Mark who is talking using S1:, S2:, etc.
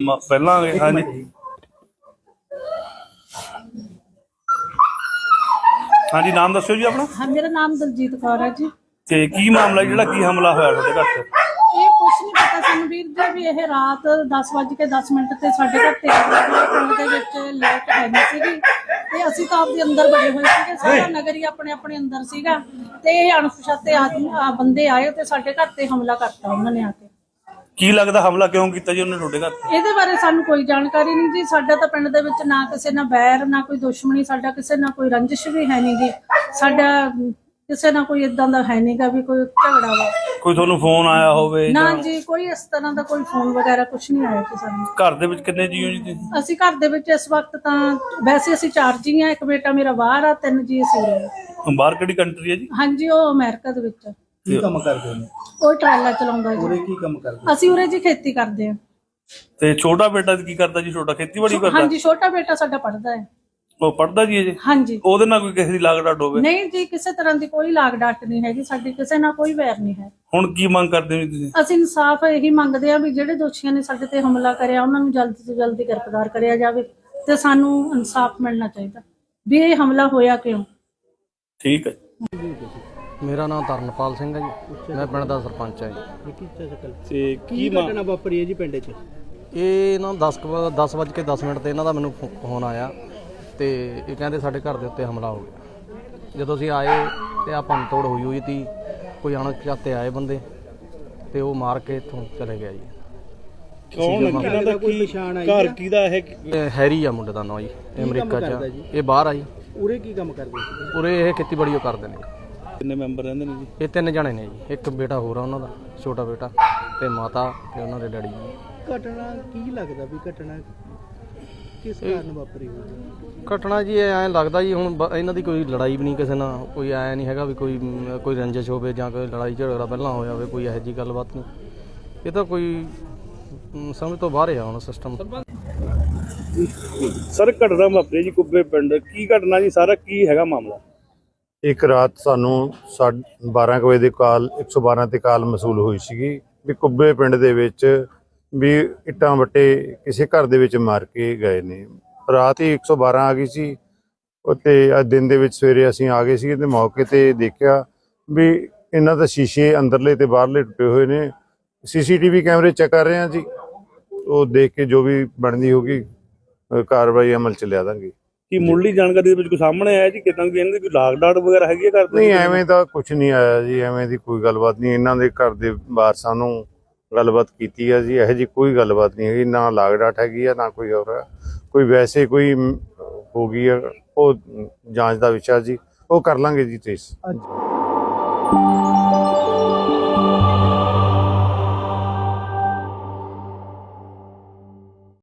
S1: ਪਹਿਲਾਂ ਆ ਗਏ। ਹਾਂਜੀ ਹਾਂਜੀ, ਨਾਮ ਦੱਸਿਓ ਜੀ ਆਪਣਾ।
S2: हाँ, मेरा नाम दलजीत कौर है जी।
S1: ਤੇ ਕੀ ਮਾਮਲਾ ਜਿਹੜਾ ਕੀ ਹਮਲਾ ਹੋਇਆ ਤੁਹਾਡੇ ਘਰ ਤੇ?
S2: ਇਹ ਕੁਛ ਨਹੀਂ ਪਤਾ ਸਾਨੂੰ ਵੀਰ ਜੀ ਵੀ ਇਹ ਰਾਤ 10:10 ਤੇ ਸਾਡੇ ਘਰ ਤੇ ਪਿੰਡ ਦੇ ਵਿੱਚ ਲਾਈਟ ਹੈ ਨਹੀਂ ਸੀਗੀ ਤੇ ਅਸੀਂ ਤਾਂ ਆਪਦੇ ਅੰਦਰ ਬੜੇ ਹੋਏ ਸੀਗੇ। ਸਾਰਾ ਨਗਰ ਹੀ ਆਪਣੇ ਆਪਣੇ ਅੰਦਰ ਸੀਗਾ ਤੇ ਇਹ ਅਣਪਛਾਤੇ ਬੰਦੇ ਆਏ ਤੇ ਸਾਡੇ ਘਰ ਤੇ ਹਮਲਾ ਕਰਤਾ ਉਹਨਾਂ ਨੇ ਆ ਕੇ।
S1: ਕੀ ਲੱਗਦਾ ਹਮਲਾ ਕਿਉਂ ਕੀਤਾ ਜੀ ਉਹਨੇ ਤੁਹਾਡੇ ਘਰ ਤੇ?
S2: ਇਹਦੇ ਬਾਰੇ ਸਾਨੂੰ ਕੋਈ ਜਾਣਕਾਰੀ ਨਹੀਂ ਜੀ। ਸਾਡਾ ਤਾਂ ਪਿੰਡ ਦੇ ਵਿੱਚ ਨਾ ਕਿਸੇ ਨਾਲ ਬੈਰ ਨਾ ਕੋਈ ਦੁਸ਼ਮਣੀ, ਸਾਡਾ ਕਿਸੇ ਨਾਲ ਕੋਈ ਰੰਜਿਸ਼ ਵੀ ਹੈ ਨਹੀਂ ਜੀ। ਸਾਡਾ ਕਿਸੇ ਨਾਲ ਕੋਈ ਇਦਾਂ ਦਾ ਹੈ ਨਹੀਂਗਾ ਵੀ ਕੋਈ ਝਗੜਾ ਵਾ।
S1: ਕੋਈ ਤੁਹਾਨੂੰ ਫੋਨ ਆਇਆ ਹੋਵੇ?
S2: ਨਾ ਜੀ, ਕੋਈ ਇਸ ਤਰ੍ਹਾਂ ਦਾ ਕੋਈ ਫੋਨ ਵਗੈਰਾ ਕੁਝ ਨਹੀਂ ਆਇਆ ਜੀ ਸਾਨੂੰ।
S1: ਘਰ ਦੇ ਵਿੱਚ ਕਿੰਨੇ ਜੀ ਹੋ ਜੀ ਤੁਸੀਂ?
S2: ਅਸੀਂ ਘਰ ਦੇ ਵਿੱਚ ਇਸ ਵਕਤ ਤਾਂ ਵੈਸੇ ਅਸੀਂ 4 ਜੀ ਆ। ਇੱਕ ਬੇਟਾ ਮੇਰਾ ਬਾਹਰ ਆ, 3 ਜੀ ਅਸੀਂ ਉਰੇ ਆ।
S1: ਬਾਹਰ ਕਿਹੜੀ ਕੰਟਰੀ ਹੈ ਜੀ?
S2: ਹਾਂਜੀ, ਉਹ ਅਮਰੀਕਾ ਦੇ ਵਿੱਚ।
S3: ਕੀ ਕੰਮ ਕਰਦੇ ਨੇ?
S2: ਉਹ ਟਰਾਲਾ ਚਲਾਉਂਦਾ ਜੀ।
S3: ਉਰੇ ਕੀ ਕੰਮ ਕਰਦੇ?
S2: ਅਸੀਂ ਉਰੇ ਜੀ ਖੇਤੀ ਕਰਦੇ ਆ।
S1: ਤੇ ਛੋਟਾ ਬੇਟਾ ਕੀ ਕਰਦਾ ਜੀ? ਛੋਟਾ ਖੇਤੀਬਾੜੀ ਕਰਦਾ?
S2: ਹਾਂਜੀ, ਛੋਟਾ ਬੇਟਾ ਸਾਡਾ ਪੜ੍ਹਦਾ ਹੈ।
S1: ਉਹ ਪੜਦਾ ਜੀ ਅਜੇ?
S2: ਹਾਂਜੀ।
S1: ਉਹਦੇ ਨਾਲ ਕੋਈ ਕਿਸੇ ਦੀ ਲਾਗ ਡਾਟ ਹੋਵੇ?
S2: ਨਹੀਂ ਜੀ, ਕਿਸੇ ਤਰ੍ਹਾਂ ਦੀ ਕੋਈ ਲਾਗ ਡਾਟ ਨਹੀਂ ਹੈਗੀ ਸਾਡੀ, ਕਿਸੇ ਨਾਲ ਕੋਈ ਵੈਰ ਨਹੀਂ ਹੈ।
S1: ਹੁਣ ਕੀ ਮੰਗ ਕਰਦੇ ਹੋ ਤੁਸੀਂ?
S2: ਅਸੀਂ ਇਨਸਾਫ ਇਹੀ ਮੰਗਦੇ ਆ ਵੀ ਜਿਹੜੇ ਦੋਸ਼ੀਆਂ ਨੇ ਸਾਡੇ ਤੇ ਹਮਲਾ ਕਰਿਆ ਉਹਨਾਂ ਨੂੰ ਜਲਦੀ ਤੋਂ ਜਲਦੀ ਗ੍ਰਿਫਤਾਰ ਕਰਿਆ ਜਾਵੇ ਤੇ ਸਾਨੂੰ ਇਨਸਾਫ ਮਿਲਣਾ ਚਾਹੀਦਾ ਵੀ ਇਹ ਹਮਲਾ ਹੋਇਆ ਕਿਉਂ।
S1: ਠੀਕ ਹੈ।
S4: ਮੇਰਾ ਨਾਮ ਤਰਨਪਾਲ ਸਿੰਘ ਹੈ ਜੀ। ਮੈਂ ਪਿੰਡ ਦਾ ਸਰਪੰਚ ਹਾਂ ਜੀ।
S1: ਤੇ
S3: ਕੀ ਘਟਨਾ ਵਾਪਰੀ ਹੈ ਜੀ ਪਿੰਡ 'ਚ?
S4: ਇਹ ਨਾ 10:10 ਤੇ ਇਹਨਾਂ ਦਾ ਮੈਨੂੰ ਫੋਨ ਆਇਆ ਤੇ ਇਹ ਕਹਿੰਦੇ ਸਾਡੇ ਘਰ ਦੇ ਉੱਤੇ ਹਮਲਾ ਹੋ ਗਿਆ। ਜਦੋਂ ਅਸੀਂ ਆਏ ਤੇ ਆ ਭੰਨ ਤੋੜ ਹੋਈ ਤੀ। ਕੋਈ ਅਣਪਛਾਤੇ ਆਏ ਬੰਦੇ ਤੇ ਉਹ ਮਾਰ ਕੇ ਇੱਥੋਂ ਚਲੇ ਗਿਆ ਜੀ।
S1: ਕੌਣ ਇਹਨਾਂ ਦਾ ਕੋਈ ਨਿਸ਼ਾਨ ਆਈ? ਘਰ ਕਿਹਦਾ ਇਹ?
S4: ਹੈਰੀ ਆ ਮੁੰਡੇ ਦਾ ਨਾਂ ਜੀ, ਅਮਰੀਕਾ 'ਚ। ਇਹ ਬਾਹਰ ਆ ਜੀ।
S3: ਉਰੇ ਕੀ ਕੰਮ ਕਰਦੇ?
S4: ਉਰੇ ਇਹ ਖੇਤੀਬਾੜੀ ਉਹ ਕਰਦੇ ਨੇ।
S1: ਕਿੰਨੇ ਮੈਂਬਰ ਰਹਿੰਦੇ ਨੇ ਜੀ?
S4: ਇਹ 3 ਜਣੇ ਨੇ ਜੀ। ਇੱਕ ਬੇਟਾ ਹੋਰ ਆ ਉਹਨਾਂ ਦਾ, ਛੋਟਾ ਬੇਟਾ, ਤੇ ਮਾਤਾ ਤੇ ਉਹਨਾਂ ਦੇ ਡੈਡੀ ਜੀ।
S3: ਘਟਨਾ ਕੀ ਲੱਗਦਾ ਵੀ ਘਟਨਾ ਕਿਸ ਕਾਰਨ ਵਾਪਰੀ ਹੋਈ?
S4: ਘਟਨਾ ਜੀ ਐਂ ਲੱਗਦਾ ਜੀ ਹੁਣ ਇਹਨਾਂ ਦੀ ਕੋਈ ਲੜਾਈ ਵੀ ਨਹੀਂ ਕਿਸੇ ਨਾਲ, ਕੋਈ ਐਂ ਨਹੀਂ ਹੈਗਾ ਵੀ ਕੋਈ ਰੰਜਿਸ਼ ਹੋਵੇ ਜਾਂ ਕੋਈ ਲੜਾਈ ਝਗੜਾ ਪਹਿਲਾਂ ਹੋਇਆ ਹੋਵੇ, ਕੋਈ ਇਹੋ ਜਿਹੀ ਗੱਲਬਾਤ ਨਹੀਂ। ਇਹ ਤਾਂ ਕੋਈ ਸਮਝ ਤੋਂ ਬਾਹਰ ਆ ਹੁਣ ਸਿਸਟਮ।
S1: ਸਰ, ਘਟਨਾ ਵਾਪਰੀ ਜੀ ਕੁੱਬੇ ਪਿੰਡ, ਕੀ ਘਟਨਾ ਜੀ? ਸਾਰਾ ਕੀ ਹੈਗਾ ਮਾਮਲਾ?
S5: ਇੱਕ ਰਾਤ ਸਾਨੂੰ 12 ਵਜੇ ਦੇ ਕਾਲ 112 ਤੇ ਕਾਲ ਮਸੂਲ ਹੋਈ ਸੀਗੀ ਵੀ ਕੁੱਬੇ ਪਿੰਡ ਦੇ ਵਿੱਚ ਵੀ ਇੱਟਾਂ ਵੱਟੇ ਕਿਸੇ ਘਰ ਦੇ ਵਿੱਚ ਮਾਰ ਕੇ ਗਏ ਨੇ। ਰਾਤ ਹੀ 112 ਆ ਗਈ ਸੀ ਤੇ ਅੱਜ ਦਿਨ ਦੇ ਵਿੱਚ ਸਵੇਰੇ ਅਸੀਂ ਆ ਗਏ ਸੀ ਤੇ ਮੌਕੇ ਤੇ ਦੇਖਿਆ ਵੀ ਇਹਨਾਂ ਦਾ ਸ਼ੀਸ਼ੇ ਅੰਦਰਲੇ ਤੇ ਬਾਹਰਲੇ ਟੁੱਟੇ ਹੋਏ ਨੇ। CCTV ਕੈਮਰੇ ਚੈੱਕ ਕਰ ਰਹੇ ਹਾਂ ਜੀ, ਉਹ ਦੇਖ ਕੇ ਜੋ ਵੀ ਬਣਦੀ ਹੋਗੀ ਕਾਰਵਾਈ ਅਮਲ ਚ ਲਿਆ ਦਾਂਗੇ।
S1: ਕੀ ਮੁੱਢਲੀ ਜਾਣਕਾਰੀ ਦੇ ਵਿੱਚ ਕੋਈ ਸਾਹਮਣੇ ਆਇਆ ਜੀ ਕਿਦਾਂ ਦੀ ਇਹਨਾਂ ਦੀ ਕੋਈ ਲਾਗ ਡਾਟ ਵਗੈਰਾ ਹੈਗੀ ਹੈ ਘਰ ਦੇ?
S5: ਨਹੀਂ, ਐਵੇਂ ਤਾਂ ਕੁਝ ਨਹੀਂ ਆਇਆ ਜੀ, ਐਵੇਂ ਦੀ ਕੋਈ ਗੱਲਬਾਤ ਨਹੀਂ। ਇਹਨਾਂ ਦੇ ਘਰ ਦੇ ਵਾਰਸਾਂ ਨੂੰ ਗੱਲਬਾਤ ਕੀਤੀ ਆ ਜੀ, ਇਹੋ ਜਿਹੀ ਕੋਈ ਗੱਲਬਾਤ ਨਹੀਂ ਹੈਗੀ। ਨਾ ਲਾਗ ਡਾਟ ਹੈਗੀ ਆ ਨਾ ਕੋਈ ਹੋਰ ਕੋਈ ਵੈਸੇ ਕੋਈ ਹੋ ਗਈ ਆ, ਉਹ ਜਾਂਚ ਦਾ ਵਿਸ਼ਾ ਜੀ, ਉਹ ਕਰ ਲਾਂਗੇ ਜੀ ਟ੍ਰੇਸ।